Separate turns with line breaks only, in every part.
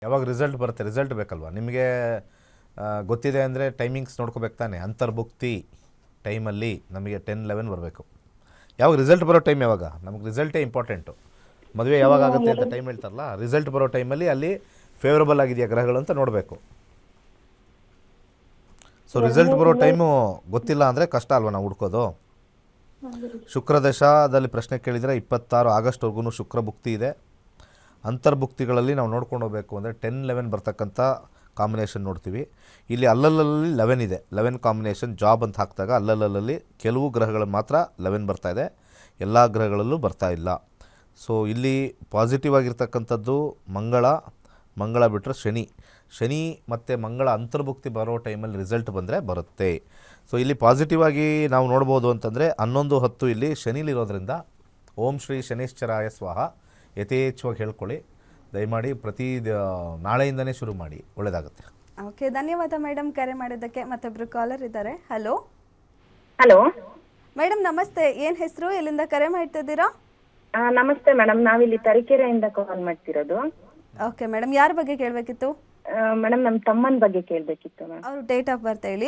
ಯಾವಾಗ ರಿಸಲ್ಟ್ ಬರುತ್ತೆ, ರಿಸಲ್ಟ್ ಬೇಕಲ್ವಾ ನಿಮಗೆ? ಗೊತ್ತಿದೆ ಅಂದರೆ ಟೈಮಿಂಗ್ಸ್ ನೋಡ್ಕೋಬೇಕು ತಾನೆ. ಅಂತರ್ಭುಕ್ತಿ ಟೈಮಲ್ಲಿ ನಮಗೆ 10-11 ಬರಬೇಕು. ಯಾವಾಗ ರಿಸಲ್ಟ್ ಬರೋ ಟೈಮ್ ಯಾವಾಗ? ನಮಗೆ ರಿಸಲ್ಟೇ ಇಂಪಾರ್ಟೆಂಟು. ಮದುವೆ ಯಾವಾಗ ಆಗುತ್ತೆ ಅಂತ ಟೈಮ್ ಹೇಳ್ತಾರಲ್ಲ, ರಿಸಲ್ಟ್ ಬರೋ ಟೈಮಲ್ಲಿ ಅಲ್ಲಿ ಫೇವರಬಲ್ ಆಗಿದೆಯಾ ಗ್ರಹಗಳು ಅಂತ ನೋಡಬೇಕು. ಸೊ ರಿಸಲ್ಟ್ ಬರೋ ಟೈಮು ಗೊತ್ತಿಲ್ಲ ಅಂದರೆ ಕಷ್ಟ ಅಲ್ವಾ ನಾವು ಹುಡ್ಕೋದು. ಶುಕ್ರ ದಶಾದಲ್ಲಿ ಪ್ರಶ್ನೆ ಕೇಳಿದರೆ 26 ಆಗಸ್ಟ್ವರೆಗೂ ಶುಕ್ರ ಭುಕ್ತಿ ಇದೆ. ಅಂತರ್ಭುಕ್ತಿಗಳಲ್ಲಿ ನಾವು ನೋಡ್ಕೊಂಡು ಹೋಗಬೇಕು ಅಂದರೆ 10-11 ಬರ್ತಕ್ಕಂಥ ಕಾಂಬಿನೇಷನ್ ನೋಡ್ತೀವಿ. ಇಲ್ಲಿ ಅಲ್ಲಲ್ಲಿ 11 ಇದೆ. 11 ಕಾಂಬಿನೇಷನ್ ಜಾಬ್ ಅಂತ ಹಾಕಿದಾಗ ಅಲ್ಲಲ್ಲಿ ಕೆಲವು ಗ್ರಹಗಳಲ್ಲಿ ಮಾತ್ರ 11 ಬರ್ತಾಯಿದೆ, ಎಲ್ಲ ಗ್ರಹಗಳಲ್ಲೂ ಬರ್ತಾ ಇಲ್ಲ. ಸೊ ಇಲ್ಲಿ ಪಾಸಿಟಿವ್ ಆಗಿರ್ತಕ್ಕಂಥದ್ದು ಮಂಗಳ ಬಿಟ್ಟರೆ ಶನಿ ಮತ್ತು ಮಂಗಳ ಅಂತರ್ಭುಕ್ತಿ ಬರೋ ಟೈಮಲ್ಲಿ ರಿಸಲ್ಟ್ ಬಂದರೆ ಬರುತ್ತೆ. ಸೊ ಇಲ್ಲಿ ಪಾಸಿಟಿವ್ ಆಗಿ ನಾವು ನೋಡ್ಬೋದು ಅಂತಂದರೆ 11:10 ಇಲ್ಲಿ ಶನಿಲಿರೋದ್ರಿಂದ ಓಂ ಶ್ರೀ ಶನೈಶ್ಚರಾಯ ಸ್ವಾಹ ಯಥೇಚ್ಛವಾಗಿ ಹೇಳ್ಕೊಳ್ಳಿ. ದಯಮಾಡಿ ನಾಳೆಯಿಂದನೇ ಶುರು ಮಾಡಿ, ಒಳ್ಳೆಯದಾಗುತ್ತೆ.
ಓಕೆ, ಧನ್ಯವಾದ ಮೇಡಮ್ ಕರೆ ಮಾಡಿದ್ದಕ್ಕೆ. ಮತ್ತೊಬ್ಬರು ಕಾಲರ್ ಇದ್ದಾರೆ. ಹಲೋ ಮೇಡಮ್ ನಮಸ್ತೆ, ಏನು ಹೆಸರು, ಎಲ್ಲಿಂದ ಕರೆ ಮಾಡ್ತಿದ್ದೀರಾ?
ನಮಸ್ತೆ ಮೇಡಮ್, ನಾವಿಲ್ಲಿ ತರೀಕೆರೆಯಿಂದ ಕಾಲ್ ಮಾಡ್ತಿರೋದು.
ಓಕೆ ಮೇಡಮ್, ಯಾರ ಬಗ್ಗೆ ಕೇಳಬೇಕಿತ್ತು?
ಮೇಡಮ್ ನಮ್ಮ ತಮ್ಮನ ಬಗ್ಗೆ ಕೇಳಬೇಕಿತ್ತು ಮ್ಯಾಮ್.
ಅವರು ಡೇಟ್ ಆಫ್ ಬರ್ತ್ ಹೇಳಿ.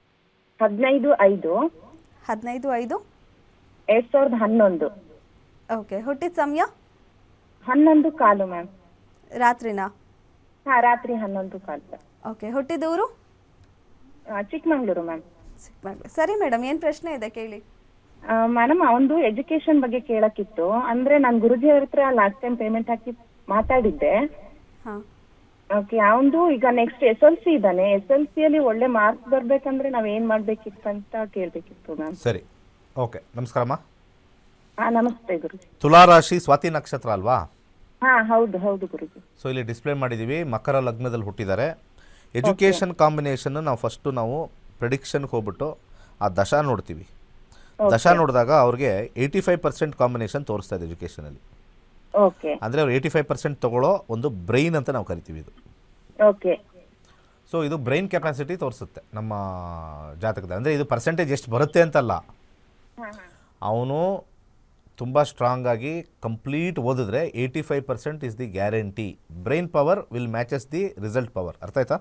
15/5/2011.
ಓಕೆ, ಹುಟ್ಟಿದ ಸಮಯ?
11:15 ಮ್ಯಾಮ್.
ರಾತ್ರಿನಾ?
ರಾತ್ರಿ 11:15.
ಓಕೆ, ಹುಟ್ಟಿದ ಊರು?
ಚಿಕ್ಕಮಂಗ್ಳೂರು ಮ್ಯಾಮ್.
ಚಿಕ್ಕಮಂಗ್ಳೂರು. ಸರಿ ಮೇಡಮ್, ಏನು ಪ್ರಶ್ನೆ ಇದೆ ಕೇಳಿ.
ಮೇಡಮ್ ಅವನು ಎಜುಕೇಶನ್ ಬಗ್ಗೆ ಕೇಳಕ್ಕಿತ್ತು. ಅಂದ್ರೆ ನಾನು ಗುರುಜಿ ಅವ್ರ ಹತ್ರ ಲಾಸ್ಟ್ ಟೈಮ್ ಪೇಮೆಂಟ್ ಹಾಕಿ ಮಾತಾಡಿದ್ದೆ.
ಹಾಂ,
ಓಕೆ, ಅವನು ಈಗ ನೆಕ್ಸ್ಟ್ SLC ಇದ್ದಾನೆ. SLC ಅಲ್ಲಿ ಒಳ್ಳೆ ಮಾರ್ಕ್ಸ್ ಬರ್ಬೇಕಂದ್ರೆ ನಾವ್ ಏನ್ ಮಾಡ್ಬೇಕಿತ್ತು ಅಂತ ಕೇಳ್ಬೇಕಿತ್ತು ಮ್ಯಾಮ್.
ಸರಿ, ಓಕೆ. ನಮಸ್ಕಾರಮ್ಮ.
ನಮಸ್ತೆ ಗುರುಜಿ.
ತುಲಾರಾಶಿ ಸ್ವಾತಿ ನಕ್ಷತ್ರ ಅಲ್ವಾ?
ಹೌದು ಗುರುಜಿ.
ಸೊ ಇಲ್ಲಿ ಡಿಸ್ಪ್ಲೇ ಮಾಡಿದ್ದೀವಿ, ಮಕರ ಲಗ್ನದಲ್ಲಿ ಹುಟ್ಟಿದ್ದಾರೆ. ಎಜುಕೇಷನ್ ಕಾಂಬಿನೇಷನ್ ನಾವು ಪ್ರೆಡಿಕ್ಷನ್ಗೆ ಹೋಗ್ಬಿಟ್ಟು ಆ ದಶಾ ನೋಡ್ತೀವಿ. ದಶಾ ನೋಡಿದಾಗ ಅವ್ರಿಗೆ 85% ಕಾಂಬಿನೇಷನ್ ತೋರಿಸ್ತಾ ಇದೆ ಎಜುಕೇಷನಲ್ಲಿ.
ಓಕೆ,
ಅಂದರೆ ಅವ್ರು 85% ತಗೊಳ್ಳೋ ಒಂದು ಬ್ರೈನ್ ಅಂತ ನಾವು ಕರಿತೀವಿ ಇದು.
ಓಕೆ.
ಸೊ ಇದು ಬ್ರೈನ್ ಕೆಪಾಸಿಟಿ ತೋರಿಸುತ್ತೆ ನಮ್ಮ ಜಾತಕದ. ಅಂದರೆ ಇದು ಪರ್ಸೆಂಟೇಜ್ ಎಷ್ಟು ಬರುತ್ತೆ ಅಂತಲ್ಲ, ಅವನು ತುಂಬ ಸ್ಟ್ರಾಂಗ್ ಆಗಿ ಕಂಪ್ಲೀಟ್ ಓದಿದ್ರೆ 85% is the guarantee. Brain power will matches the result power. ಅರ್ಥ ಆಯ್ತಾ?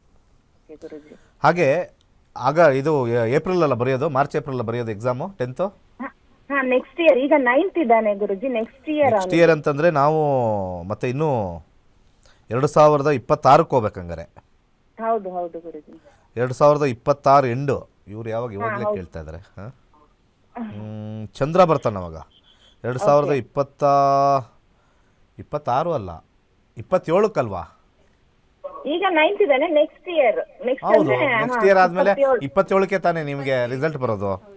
ಹಾಗೆ ಆಗ ಇದು ಏಪ್ರಿಲ್ ಅಲ್ಲ ಬರೆಯೋದು, ಮಾರ್ಚ್ ಏಪ್ರಿಲ್ ಬರೆಯೋದು ಎಕ್ಸಾಮು 10th.
Next year. ಈಗ 9th ಇದ್ದಾನೆ ಗುರುಜಿ. ನೆಕ್ಸ್ಟ್ ಇಯರ್
ಅಂತಂದರೆ ನಾವು ಮತ್ತೆ ಇನ್ನೂ 2026ಕ್ಕೆ ಹೋಗ್ಬೇಕಂಗಾರೆ.
ಹೌದು ಗುರುಜಿ.
2026 ಎಂಡು. ಇವ್ರು ಇವಾಗಲೇ ಕೇಳ್ತಾ ಇದ್ದಾರೆ. ಚಂದ್ರ ಬರ್ತಾನೆ ಅವಾಗ 2026 ಅಲ್ಲ, 27ಕ್ಕಲ್ವಾ?
ಈಗ 9th ಇದ್ದಾನೆ. ನೆಕ್ಸ್ಟ್ ಇಯರ್
ಹೌದು, ನೆಕ್ಸ್ಟ್ ಇಯರ್ ಆದಮೇಲೆ 27ಕ್ಕೆ ತಾನೇ ನಿಮಗೆ ರಿಸಲ್ಟ್ ಬರೋದು.